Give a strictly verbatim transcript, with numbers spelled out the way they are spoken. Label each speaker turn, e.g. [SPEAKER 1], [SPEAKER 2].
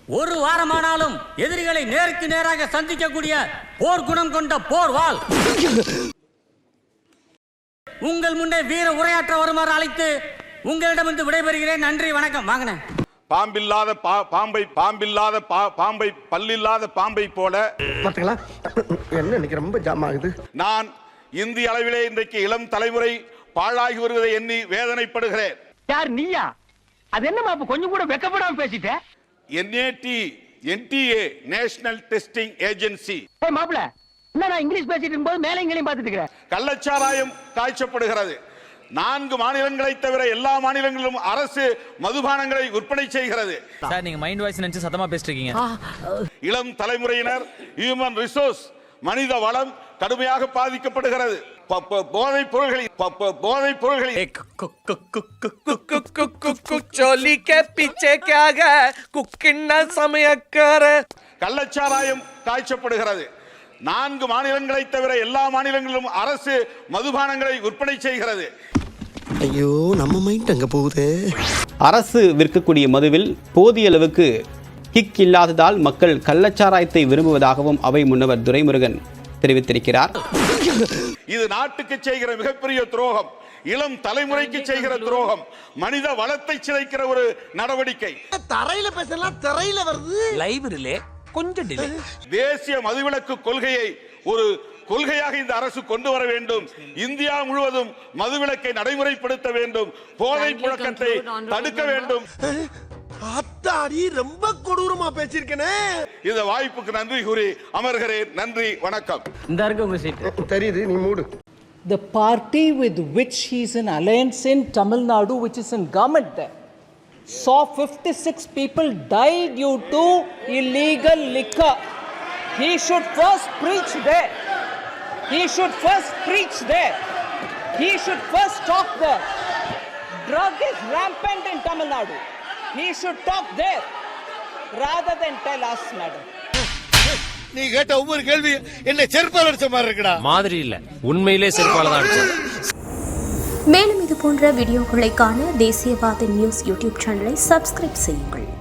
[SPEAKER 1] ஒரு வாரமானாலும் எதிரிகளை நேருக்கு நேராக சந்திக்கக்கூடிய போர் குணம் கொண்ட போர் வாள் உங்கள் முன்னே வீர உரையாற்ற வருமாறு அழைத்து உங்களிடமிருந்து விடைபெறுகிறேன். நன்றி, வணக்கம். வாங்கின
[SPEAKER 2] பாம்பில்லாத பாம்பை பாம்பில்லாத பாம்பை பல்லில்லாத பாம்பை போல
[SPEAKER 3] என்ன ரொம்ப ஜாம் ஆகுது.
[SPEAKER 2] நான் இந்திய அளவிலே இன்றைக்கு இளம் தலைமுறை பாழாகி வருவதை எண்ணி வேதனைப்படுகிறேன்.
[SPEAKER 4] யார் நீயா? அது என்னமா கொஞ்சம் கூட வெக்கப்படாம பேசிட்ட?
[SPEAKER 2] NAD NTA national testing agency.
[SPEAKER 4] ஏய் மாப்ள, என்ன நான் இங்கிலீஷ் பேசிட்டு இருக்கும்போது மேல இங்களையும் பார்த்துட்டு இருக்கேன்.
[SPEAKER 2] கள்ளச்சாராயம் காய்ச்சப்படுகிறது. நான்கு மாநிலங்களை தவிர எல்லா மாநிலங்களிலும் அரசு மதுபானங்களை விற்பனை செய்கிறது.
[SPEAKER 5] சார், நீங்க மைண்ட் வாய்ஸ் நினைச்சு சத்தமா பேசிட்டு இருக்கீங்க.
[SPEAKER 2] இளம் தலைமுறையினர் ஹியூமன் ரிசோர்ஸ் மனித வளம் கடுமையாக பாதிக்கப்படுகிறது. போதை பொருள்களை போதை பொருள்களை கள்ளச்சாராயம் காய்ச்சப்படுகிறது. நான்கு மாநிலங்களை தவிர எல்லா மாநிலங்களிலும் அரசு மதுபானங்களை விற்பனை செய்கிறது.
[SPEAKER 3] ஐயோ, நம்ம மைண்ட் அங்க போகுது.
[SPEAKER 6] அரசு விற்கக்கூடிய மதுவில் போதிய அளவுக்கு கிக் இல்லாததால் மக்கள் கள்ளச்சாராயத்தை விரும்புவதாகவும் அவை முன்னவர் துரைமுருகன் தெரிவித்திருக்கிறார்.
[SPEAKER 2] இது நாட்டுக்கு செய்கிற மிகப்பெரிய துரோகம், இளம் தலைமுறைக்கு செய்கிற துரோகம், மனித வளத்தை சிதைக்கிற ஒரு நடவடிக்கை.
[SPEAKER 3] தரையில பேசலாம், தரையில வருது.
[SPEAKER 5] லைவ்ல கொஞ்சம் டிலே.
[SPEAKER 2] தேசிய மதுவிலக்கு கொள்கையை ஒரு கொள்கையாக இந்த அரசு கொண்டு வர வேண்டும். இந்தியா முழுவதும் மதுவிலக்கை நடைமுறைப்படுத்த வேண்டும். போதை புழக்கத்தை தடுக்க வேண்டும்.
[SPEAKER 3] அத்தாடி, ரொம்ப கொடூரமா பேசியிருக்கேனே.
[SPEAKER 2] இந்த வாய்ப்புக்கு நன்றி கூறி அமர்கிறேன். நன்றி, வணக்கம்.
[SPEAKER 1] இந்த இருக்கு உங்க சீட்.
[SPEAKER 3] தெரியுது, நீ மூடு.
[SPEAKER 7] The party with which he is in alliance in Tamil Nadu, which is in government there, saw fifty-six people die due to illegal liquor. He should first preach there. He should first preach there. He should first talk there. Drug is rampant in Tamil Nadu. He should talk there rather than tell us, madam.
[SPEAKER 3] நீ கேட்ட ஒவ்வொரு கேள்வி என்ன செருப்பால் அடிச்ச மாதிரி இருக்குடா.
[SPEAKER 5] மாதிரி இல்ல, உண்மையிலே செருப்பால தான் அடிச்சது.
[SPEAKER 8] மேலும் இது போன்ற வீடியோக்களை காண தேசியவாத நியூஸ் யூடியூப் சேனலை சப்ஸ்கிரைப் செய்யுங்கள்.